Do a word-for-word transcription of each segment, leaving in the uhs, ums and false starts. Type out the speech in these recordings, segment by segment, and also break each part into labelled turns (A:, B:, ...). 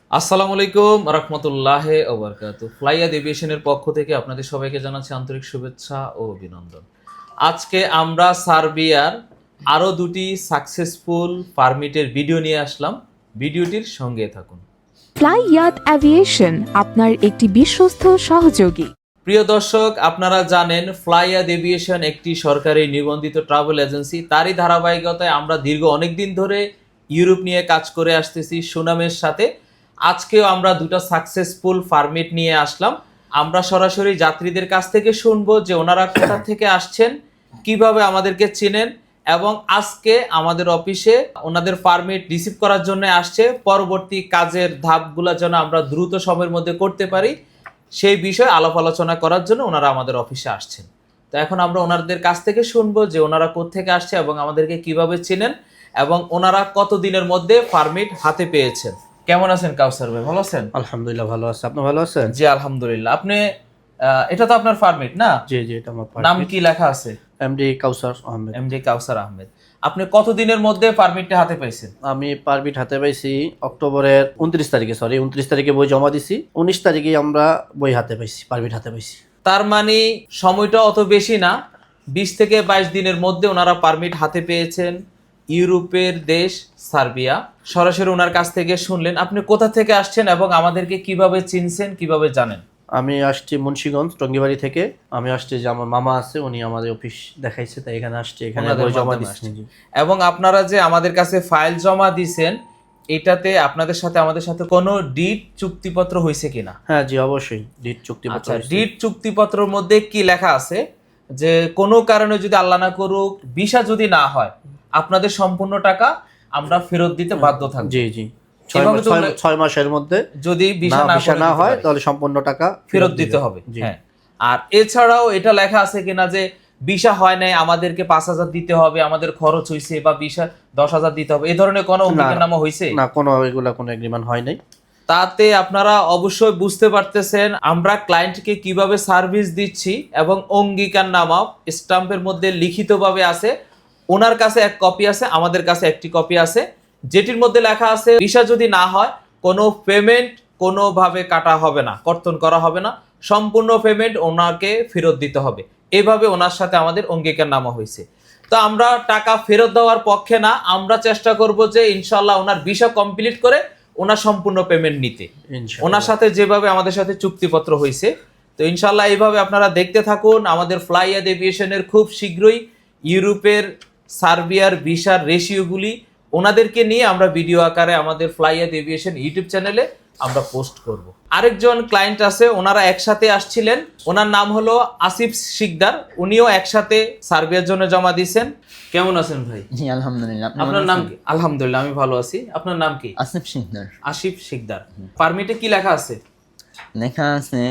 A: আসসালামু আলাইকুম রহমতুল্লাহ ওয়া বারাকাতুহু। ফ্লাইয়াদ এভিয়েশনের পক্ষ থেকে আপনাদের সবাইকে জানাচ্ছি আন্তরিক শুভেচ্ছা ও অভিনন্দন। আজকে আমরা সার্বিয়ার আরও দুটি সাকসেসফুল পারমিটের ভিডিও নিয়ে আসলাম। ভিডিওটির সঙ্গে থাকুন।
B: ফ্লাইয়াদ এভিয়েশন আপনার একটি বিশ্বস্ত সহযোগী।
A: প্রিয় দর্শক, আপনারা জানেন ফ্লাইয়াদ এভিয়েশন একটি সরকারি নিবন্ধিত ট্রাভেল এজেন্সি। তারই ধারাবাহিকতায় আমরা দীর্ঘ অনেক দিন ধরে ইউরোপ নিয়ে কাজ করে আসতেছি সুনামের সাথে। আজকেও আমরা দুটো সাকসেসফুল পারমিট নিয়ে আসলাম। আমরা সরাসরি যাত্রীদের কাছ থেকে শুনবো যে ওনারা কোথা থেকে আসছেন, কিভাবে আমাদেরকে চেনেন, এবং আজকে আমাদের অফিসে ওনাদের পারমিট রিসিভ করার জন্য আসছে। পরবর্তী কাজের ধাপগুলো যেন আমরা দ্রুত সময়ের মধ্যে করতে পারি সেই বিষয়ে আলাপ আলোচনা করার জন্য ওনারা আমাদের অফিসে আসছেন। তো এখন আমরা ওনাদের কাছ থেকে শুনবো যে ওনারা কোত্থেকে আসছে এবং আমাদেরকে কিভাবে চেনেন এবং ওনারা কত দিনের মধ্যে পারমিট হাতে পেয়েছেন। কেমন আছেন কাউসার ভাই, ভালো আছেন?
C: আলহামদুলিল্লাহ ভালো আছে। আপনি ভালো আছেন?
A: জি আলহামদুলিল্লাহ। আপনি আহ, এটা তো আপনার পারমিট না?
C: জি জি, এটা আমার
A: নাম কি লেখা আছে?
C: এমডি কাউসার আহমেদ।
A: এমডি কাউসার আহমেদ। আপনি কত দিনের মধ্যে পারমিটটা হাতে পাইছেন?
C: আমি পারমিট হাতে পাইছি অক্টোবরের উনত্রিশ তারিখে, সরি উনত্রিশ তারিখে বই জমা দিছি, উনিশ তারিখে আমরা বই হাতে পাইছি, পারমিট হাতে পাইছি।
A: তার মানে সময়টা অত বেশি না, বিশ থেকে বাইশ দিনের মধ্যে ওনারা পারমিট হাতে পেয়েছেন। ইউরোপের দেশ সার্বিয়া। সরাসরি ওনার কাছ থেকে শুনলেন। আপনি কোথা থেকে আসছেন এবং আমাদেরকে কিভাবে চিনছেন, কিভাবে জানেন?
C: আমি আসছি মুন্সিগঞ্জ টঙ্গিবাড়ি থেকে। আমি আসছি যে আমার মামা আছে, উনি আমাদের অফিস দেখাইছে, তাই এখানে আসছি, এখানে
A: ওনাদের
C: বই জমা
A: মাধ্যমে
C: দিচ্ছি।
A: আসছেন। এবং আপনারা যে আমাদের কাছে ফাইল জমা দিয়েছেন, এটাতে আপনাদের সাথে আমাদের সাথে কোনো ডিড চুক্তিপত্র হয়েছে কিনা?
C: হ্যাঁ জি অবশ্যই, ডিট চুক্তিপত্র
A: আচ্ছা,
C: হয়েছে।
A: ডিড চুক্তিপত্রের মধ্যে কি লেখা আছে যে কোনো কারণে যদি আল্লাহ না করুক ভিসা যদি না হয়, আপনাদের সম্পূর্ণ টাকা আমরা ফেরত দিতে বাধ্য থাকব।
C: জি জি, ছয়
A: এভাবে
C: মাস-
A: তো
C: ছয়- ছয় মাসের মধ্যে
A: যদি ভিসা
C: না
A: না
C: ভিসা
A: করে
C: না
A: দিতে
C: হয়
A: পারি,
C: তাহলে সম্পূর্ণ টাকা
A: ফেরত দিতে হবে।
C: জি।
A: হ্যাঁ, আর এছাড়াও এটা লেখা আছে কিনা যে ভিসা হয় নাই আমাদেরকে পাঁচ হাজার দিতে হবে, আমাদের খরচ হয়েছে, বা ভিসা দশ হাজার দিতে হবে, এই ধরনের কোনো অঙ্গীকারনামা হয়েছে?
C: না, কোনো এগুলা কোনো এগ্রিমেন্ট হয় নাই।
A: তাতে আপনারা অবশ্যই বুঝতে পারতেছেন আমরা ক্লায়েন্টকে কিভাবে সার্ভিস দিচ্ছি, এবং অঙ্গীকারনামা স্টাম্পের মধ্যে লিখিতভাবে আছে। ওনার কাছে এক কপি আছে, আমাদের কাছে একটি কপি আছে, যেটির মধ্যে লেখা আছে ভিসা যদি না হয় কোনো পেমেন্ট কোনোভাবে কাটা হবে না, কর্তন করা হবে না, সম্পূর্ণ পেমেন্ট ওনাকে ফেরত দিতে হবে। এভাবে ওনার সাথে আমাদের অঙ্গীকারনামা হয়েছে। তো আমরা টাকা ফেরত দেওয়ার পক্ষে না, আমরা চেষ্টা করব যে ইনশাল্লাহ ওনার ভিসা কমপ্লিট করে ওনার সম্পূর্ণ পেমেন্ট নিতে।
C: ইনশাআল্লাহ।
A: ওনার সাথে যেভাবে আমাদের সাথে চুক্তিপত্র হয়েছে, তো ইনশাল্লাহ এইভাবে আপনারা দেখতে থাকুন। আমাদের ফ্লাইয়াদ এভিয়েশনের খুব শীঘ্রই ইউরোপের সার্বিয়ার ভিসার রেশিওগুলি ওনাদেরকে নিয়ে আমরা ভিডিও আকারে আমাদের ফ্লাইয়াদ এভিয়েশন ইউটিউব চ্যানেলে আমরা পোস্ট করব। আরেকজন ক্লায়েন্ট আছে, ওনারা একসাথে আসছিলেন। ওনার নাম হলো আসিফ শিকদার। উনিও একসাথে সার্বিয়ার জন্য জমা দিয়েছেন। কেমন আছেন ভাই?
D: জি আলহামদুলিল্লাহ। আপনি
A: আপনার
D: ভালো
A: নাম
D: আছেন?
A: কি? আলহামদুলিল্লাহ আমি ভালো আছি। আপনার নাম কি?
D: আসিফ শিকদার।
A: আসিফ শিকদার। পারমিটে কি লেখা আছে?
D: লেখা আছে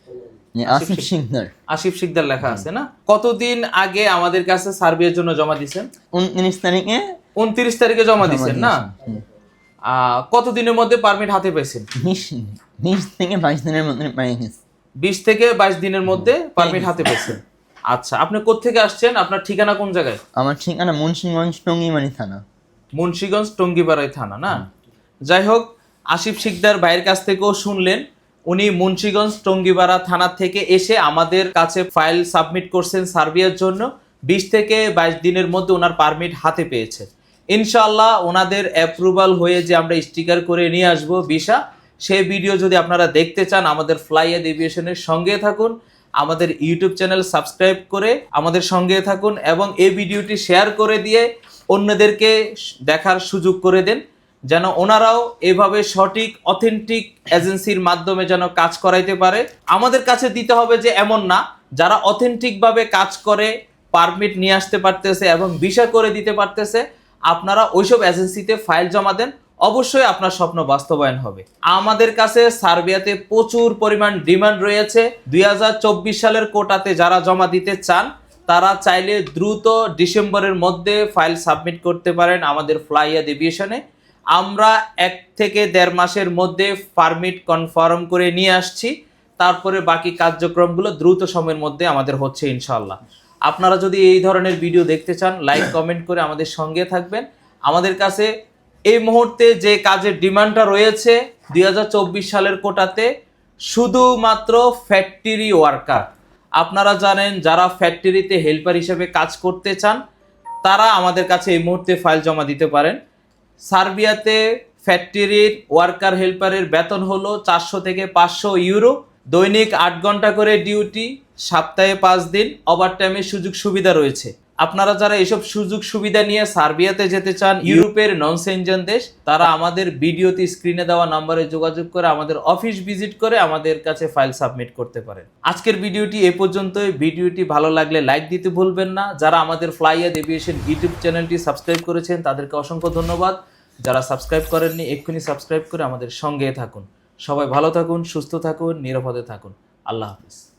D: যে আসিফ শিকদার।
A: আসিফ শিকদার লেখা আছে না? কতদিন আগে আমাদের কাছে সার্বিয়ার জন্য জমা দিয়েছেন?
D: উনত্রিশ তারিখে
A: উনত্রিশ তারিখে জমা
D: জমা
A: দিয়েছেন না?
D: দিয়েছি। হুম।
A: আহ, কতদিনের মধ্যে পারমিট হাতে পেয়েছেন?
D: বিশ বিশ থেকে বাইশ দিনের মধ্যে পেয়ে গেছি।
A: বিশ থেকে বাইশ দিনের মধ্যে পারমিট হাতে পেয়েছেন। আচ্ছা, আপনি কোত্থেকে আসছেন? আপনার ঠিকানা কোন জায়গায়?
D: আমার ঠিকানা মুন্সিগঞ্জ টঙ্গিবাড়ি থানা।
A: মুন্সিগঞ্জ টঙ্গিপাড়াই থানা না? যাই হোক, আসিফ শিকদার ভাইয়ের কাছ থেকেও শুনলেন। উনি মুন্সিগঞ্জ টঙ্গিপাড়া থানা থেকে এসে আমাদের কাছে ফাইল সাবমিট করছেন সার্বিয়ার জন্য। বিশ থেকে বাইশ দিনের মধ্যে ওনার পারমিট হাতে পেয়েছে। ইনশাআল্লাহ ওনাদের অ্যাপ্রুভাল হয়ে যে আমরা স্টিকার করে নিয়ে আসবো ভিসা, সেই ভিডিও যদি আপনারা দেখতে চান আমাদের ফ্লাইয়াদ এভিয়েশনের সঙ্গে থাকুন, আমাদের ইউটিউব চ্যানেল সাবস্ক্রাইব করে আমাদের সঙ্গে থাকুন, এবং এই ভিডিওটি শেয়ার করে দিয়ে অন্যদেরকে দেখার সুযোগ করে দেন, যেন ওনারাও এভাবে সঠিক অথেন্টিক এজেন্সির মাধ্যমে যেন কাজ করাইতে পারে। আমাদের কাছে দিতে হবে যে এমন না, যারা অথেন্টিকভাবে কাজ করে পারমিট নিয়ে আসতে পারতেছে এবং ভিসা করে দিতে পারতেছে, আপনারা ওইসব এজেন্সিতে ফাইল জমা দেন, অবশ্যই আপনার স্বপ্ন বাস্তবায়ন হবে। আমাদের কাছে সার্বিয়াতে প্রচুর পরিমাণ ডিমান্ড রয়েছে। দুই হাজার চব্বিশ সালের কোটাতে যারা জমা দিতে চান তারা চাইলে দ্রুত ডিসেম্বরের মধ্যে ফাইল সাবমিট করতে পারেন আমাদের ফ্লাইয়াদ এভিয়েশনে। আমরা এক থেকে দেড় মাসের মধ্যে পারমিট কনফার্ম করে নিয়ে আসছি। তারপরে বাকি কার্যক্রমগুলো দ্রুত সময়ের মধ্যে আমাদের হচ্ছে ইনশাআল্লাহ। আপনারা যদি এই ধরনের ভিডিও দেখতে চান, লাইক কমেন্ট করে আমাদের সঙ্গে থাকবেন। আমাদের কাছে এই মুহূর্তে যে কাজের ডিমান্ডটা রয়েছে দুই হাজার চব্বিশ সালের কোটাতে শুধুমাত্র ফ্যাক্টরি ওয়ার্কার। আপনারা জানেন যারা ফ্যাক্টরিতে হেল্পার হিসেবে কাজ করতে চান তারা আমাদের কাছে এই মুহূর্তে ফাইল জমা দিতে পারেন। সার্বিয়াতে ফ্যাক্টরির ওয়ার্কার হেল্পারের বেতন হলো চারশো থেকে পাঁচশো ইউরো, দৈনিক আট ঘন্টা করে ডিউটি, সপ্তাহে পাঁচ দিন, ওভারটাইমের সুযোগ সুবিধা রয়েছে। আপনারা যারা এসব সুযোগ সুবিধা নিয়ে সার্বিয়াতে যেতে চান, ইউরোপের নন সেনজেন দেশ, তারা আমাদের ভিডিওতে স্ক্রিনে দেওয়া নম্বরে যোগাযোগ করে আমাদের অফিস ভিজিট করে আমাদের কাছে ফাইল সাবমিট করতে পারেন। আজকের ভিডিওটি এ পর্যন্তই। ভিডিওটি ভালো লাগলে লাইক দিতে ভুলবেন না। যারা আমাদের ফ্লাইয়াদ এভিয়েশন ইউটিউব চ্যানেলটি সাবস্ক্রাইব করেছেন তাদেরকে অসংখ্য ধন্যবাদ। যারা সাবস্ক্রাইব করেননি এক্ষুনি সাবস্ক্রাইব করে আমাদের সঙ্গে থাকুন। সবাই ভালো থাকুন, সুস্থ থাকুন, নিরাপদে থাকুন। আল্লাহ হাফিজ।